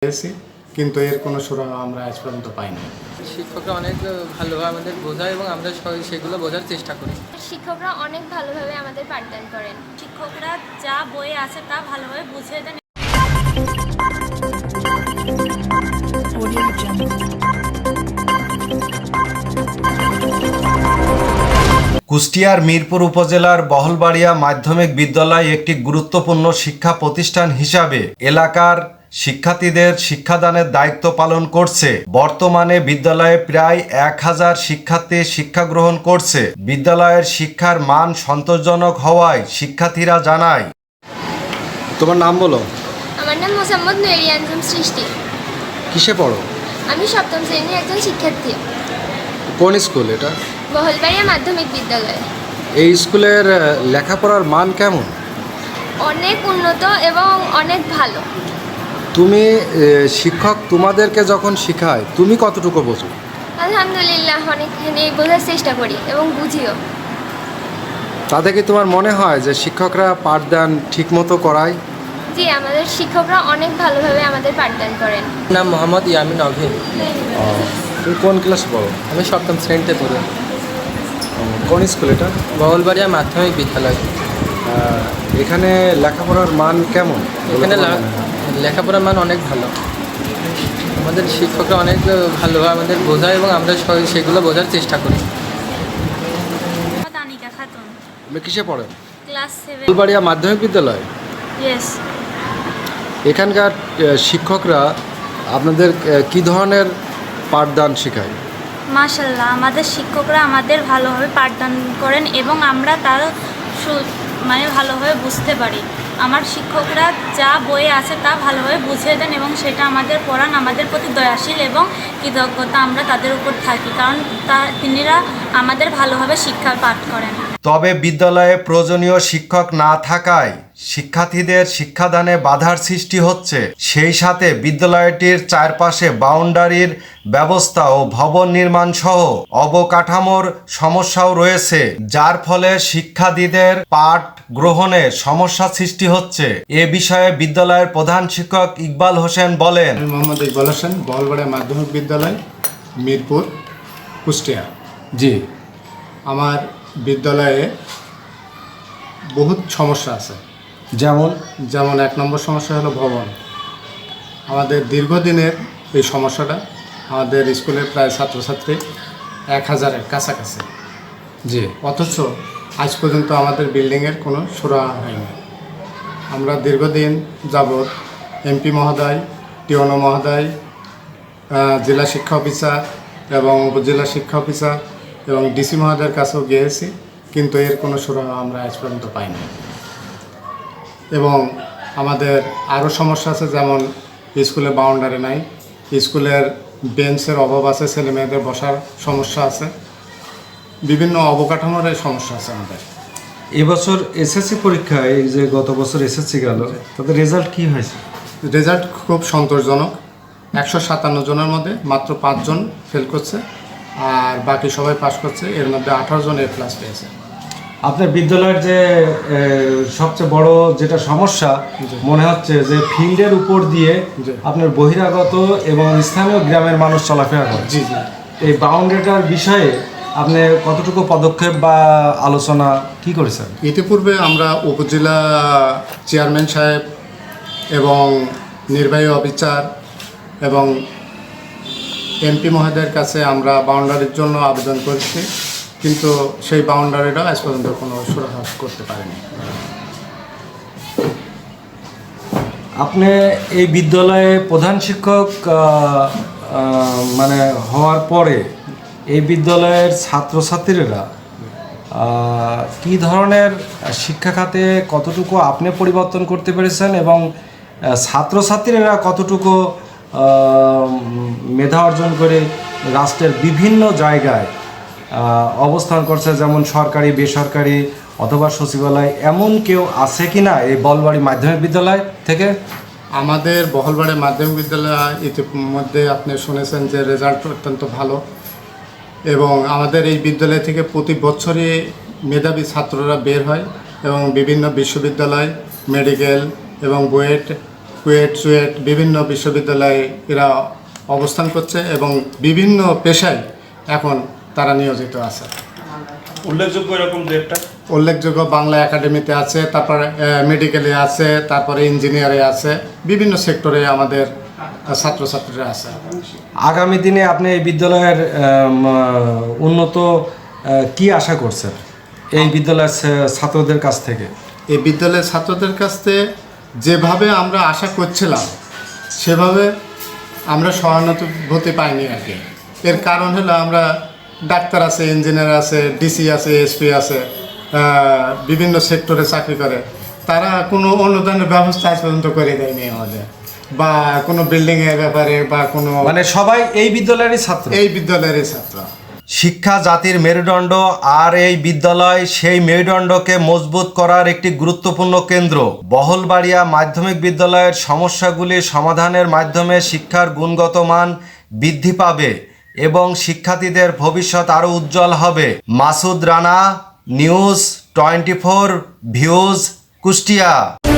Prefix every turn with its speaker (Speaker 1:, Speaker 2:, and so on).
Speaker 1: পেয়েছি, কিন্তু এর কোনো সুরাহা আমরা আজ পর্যন্ত পাইনি।
Speaker 2: শিক্ষকরা অনেক ভালোভাবে আমাদের বোঝায় এবং আমরা সেগুলো বোঝার চেষ্টা করি।
Speaker 3: শিক্ষকরা অনেক ভালোভাবে আমাদের পাঠদান করেন।
Speaker 4: শিক্ষকরা যা বইয়ে আছে তা ভালোভাবে বুঝিয়ে দেন।
Speaker 5: কুষ্টিয়ার মিরপুর উপজেলার বহলবাড়িয়া মাধ্যমিক বিদ্যালয় একটি গুরুত্বপূর্ণ শিক্ষা প্রতিষ্ঠান হিসাবে এলাকার শিক্ষার্থীদের শিক্ষাদানের দায়িত্ব পালন করছে। বর্তমানে বিদ্যালয়ে প্রায় 1000 শিক্ষার্থী শিক্ষা গ্রহণ করছে। বিদ্যালয়ের শিক্ষার মান সন্তোষজনক হওয়ায় শিক্ষার্থীরা জানায়।
Speaker 6: তোমার নাম বলো।
Speaker 3: আমার নাম মোসাম্মদ নূরিয়ানজুম সৃষ্টি।
Speaker 6: কিসে পড়ো?
Speaker 3: আমি সপ্তম শ্রেণীর একজন শিক্ষার্থী।
Speaker 6: কোন স্কুল এটা?
Speaker 3: বহলবাড়িয়া মাধ্যমিক বিদ্যালয়।
Speaker 6: এই স্কুলের লেখাপড়ার মান কেমন?
Speaker 3: অনেক উন্নত এবং অনেক ভালো।
Speaker 6: তুমি শিক্ষক তোমাদেরকে যখন শেখায় তুমি কতটুকু বোঝো?
Speaker 3: আলহামদুলিল্লাহ অনেকখানি বোঝার চেষ্টা করি এবং বুঝিও।
Speaker 6: তাতে কি তোমার মনে হয় যে শিক্ষকরা পাঠদান ঠিকমতো করায়?
Speaker 3: জি, আমাদের শিক্ষকরা অনেক ভালোভাবে আমাদের পাঠদান করেন।
Speaker 2: নাম মোহাম্মদ ইয়ামিন অভিন।
Speaker 6: তুমি কোন ক্লাস পড়ো?
Speaker 2: আমি সপ্তম শ্রেণীতে পড়ি।
Speaker 6: কোন স্কুল এটা?
Speaker 2: বহলবাড়িয়া মাধ্যমিক বিদ্যালয়।
Speaker 6: এখানে লেখাপড়ার মান কেমন?
Speaker 2: এখানে লেখাপড়ার মান অনেক ভালো। আমাদের শিক্ষকরা অনেক ভালোভাবে আমাদের বোঝায় এবং আমরা সেগুলো বোঝার চেষ্টা করি।
Speaker 4: তানিকা খাতুন,
Speaker 6: তুমি কিসে পড়ো?
Speaker 4: ক্লাস 7।
Speaker 6: বহলবাড়িয়া মাধ্যমিক বিদ্যালয়।
Speaker 4: ইয়েস।
Speaker 6: এখানকার শিক্ষকরা আপনাদের কি ধরনের পাঠদান শেখায়?
Speaker 4: মাশাআল্লাহ, আমাদের শিক্ষকরা আমাদের ভালোভাবে পাঠদান করেন এবং আমরা তার ভালোভাবে বুঝতে পারি। আমার শিক্ষকরা যা বইয়ে আছে তা ভালোভাবে বুঝিয়ে দেন এবং সেটা আমাদের পড়ান। আমাদের প্রতি দয়াশীল এবং কৃতজ্ঞতা আমরা তাদের উপর থাকি, কারণ তিনিরা আমাদের ভালোভাবে শিক্ষা পাঠ করেন।
Speaker 5: তবে বিদ্যালয়ে প্রয়োজনীয় শিক্ষক না থাকায় শিক্ষার্থীদের শিক্ষাদানে বাধার সৃষ্টি হচ্ছে। সেই সাথে বিদ্যালয়টির চারপাশে বাউন্ডারির ব্যবস্থা ও ভবন নির্মাণ সহ অবকাঠামোর সমস্যাও রয়েছে, যার ফলে শিক্ষার্থীদের পাঠ গ্রহণে সমস্যা সৃষ্টি হচ্ছে। এ বিষয়ে বিদ্যালয়ের প্রধান শিক্ষক ইকবাল হোসেন বলেন।
Speaker 1: আমি মোহাম্মদ ইকবাল হোসেন, বহলবাড়িয়া মাধ্যমিক বিদ্যালয়, মিরপুর, কুষ্টিয়া।
Speaker 6: জি।
Speaker 1: আমার বিদ্যালয়ে বহুত সমস্যা আছে। যেমন 1 নম্বর সমস্যা হলো ভবন। আমাদের দীর্ঘদিনের এই সমস্যাটা। আমাদের স্কুলে প্রায় ছাত্রছাত্রী 1000-এর কাছাকাছি।
Speaker 6: জি।
Speaker 1: অথচ আজ পর্যন্ত আমাদের বিল্ডিংয়ের কোনো সুরাহা হয়নি। আমরা দীর্ঘদিন যাবৎ এমপি মহোদয়, টিওনো মহোদয়, জেলা শিক্ষা অফিসার এবং উপজেলা শিক্ষা অফিসার এবং ডিসি মহোদয়ের কাছেও গিয়েছি, কিন্তু এর কোনো সুরাহা আমরা আজ পর্যন্ত পাইনি। এবং আমাদের আরও সমস্যা আছে, যেমন স্কুলে বাউন্ডারি নাই, স্কুলের বেঞ্চের অভাব আছে, ছেলে মেয়েদের বসার সমস্যা আছে, বিভিন্ন অবকাঠামোর সমস্যা আছে আমাদের।
Speaker 5: এবছর এসএসসি পরীক্ষায় যে গত বছর এসএসসি গেল, তাদের রেজাল্ট কি হয়েছে?
Speaker 1: রেজাল্ট খুব সন্তোষজনক। 157 জনের মধ্যে মাত্র 5 জন ফেল করছে আর বাকি সবাই পাস করছে। এর মধ্যে 18 জন A+ পেয়েছে।
Speaker 5: আপনার বিদ্যালয়ের যে সবচেয়ে বড় যেটা সমস্যা মনে হচ্ছে যে ফিল্ডের উপর দিয়ে আপনার বহিরাগত এবং স্থানীয় গ্রামের মানুষ চলাফেরা করে।
Speaker 1: জি জি।
Speaker 5: এই বাউন্ডারিটার বিষয়ে আপনি কতটুকু পদক্ষেপ বা আলোচনা কি করেছেন?
Speaker 1: ইতিপূর্বে আমরা উপজেলা চেয়ারম্যান সাহেব এবং নির্বাহী অফিসার এবং এমপি মহোদয়ের কাছে আমরা বাউন্ডারির জন্য আবেদন করেছি, কিন্তু সেই বাউন্ডারিটা আজ পর্যন্ত কোনো সুরাহা করতে পারেনি।
Speaker 5: আপনি এই বিদ্যালয়ে প্রধান শিক্ষক হওয়ার পরে এই বিদ্যালয়ের ছাত্রছাত্রীরা কী ধরনের শিক্ষা খাতে কতটুকু আপনি পরিবর্তন করতে পেরেছেন এবং ছাত্রছাত্রীরা কতটুকু মেধা অর্জন করে রাষ্ট্রের বিভিন্ন জায়গায় অবস্থান করছে, যেমন সরকারি, বেসরকারি অথবা সচিবালয়, এমন কেউ আছে কি না এই বহলবাড়ি মাধ্যমিক বিদ্যালয় থেকে?
Speaker 1: আমাদের বহলবাড়ি মাধ্যমিক বিদ্যালয় ইতিমধ্যে আপনি শুনেছেন যে রেজাল্ট অত্যন্ত ভালো এবং আমাদের এই বিদ্যালয় থেকে প্রতি বছরই মেধাবী ছাত্ররা বের হয় এবং বিভিন্ন বিশ্ববিদ্যালয়, মেডিকেল এবং বুয়েট কুয়েট চুয়েট বিভিন্ন বিশ্ববিদ্যালয়ে এরা অবস্থান করছে এবং বিভিন্ন পেশায় এখন তারা নিয়োজিত আছে।
Speaker 7: উল্লেখযোগ্য এরকম দু একটা
Speaker 1: উল্লেখযোগ্য বাংলা একাডেমিতে আছে, তারপরে মেডিকেলে আছে, তারপরে ইঞ্জিনিয়ারে আছে, বিভিন্ন সেক্টরে আমাদের ছাত্রছাত্রীরা আছে।
Speaker 6: আগামী দিনে আপনি এই বিদ্যালয়ের উন্নত কি আশা করছেন এই বিদ্যালয়ের ছাত্রদের কাছ থেকে?
Speaker 1: এই বিদ্যালয়ের ছাত্রদের কাছ থেকে যেভাবে আমরা আশা করছিলাম সেভাবে আমরা সহানুভূতি পাইনি আর কি। এর কারণ হলো আমরা ডাক্তার আছে, ইঞ্জিনিয়ার আছে, ডিসি আছে, এসপি আছে, বিভিন্ন সেক্টরে চাকরি করে, তারা কোনো অনুদানের ব্যবস্থা আজ পর্যন্ত করে দেয়নি আমাদের, বা কোনো বিল্ডিংয়ের ব্যাপারে বা কোনো,
Speaker 6: মানে সবাই এই বিদ্যালয়েরই ছাত্র।
Speaker 1: এই বিদ্যালয়েরই ছাত্র।
Speaker 5: শিক্ষা জাতির মেরুদণ্ড, আর এই বিদ্যালয় সেই মেরুদণ্ডকে মজবুত করার একটি গুরুত্বপূর্ণ কেন্দ্র। বহলবাড়িয়া মাধ্যমিক বিদ্যালয়ের সমস্যাগুলি সমাধানের মাধ্যমে শিক্ষার গুণগত মান বৃদ্ধি পাবে এবং শিক্ষার্থীদের ভবিষ্যৎ আরও উজ্জ্বল হবে। Masud Rana, news 24 views, Kushtia.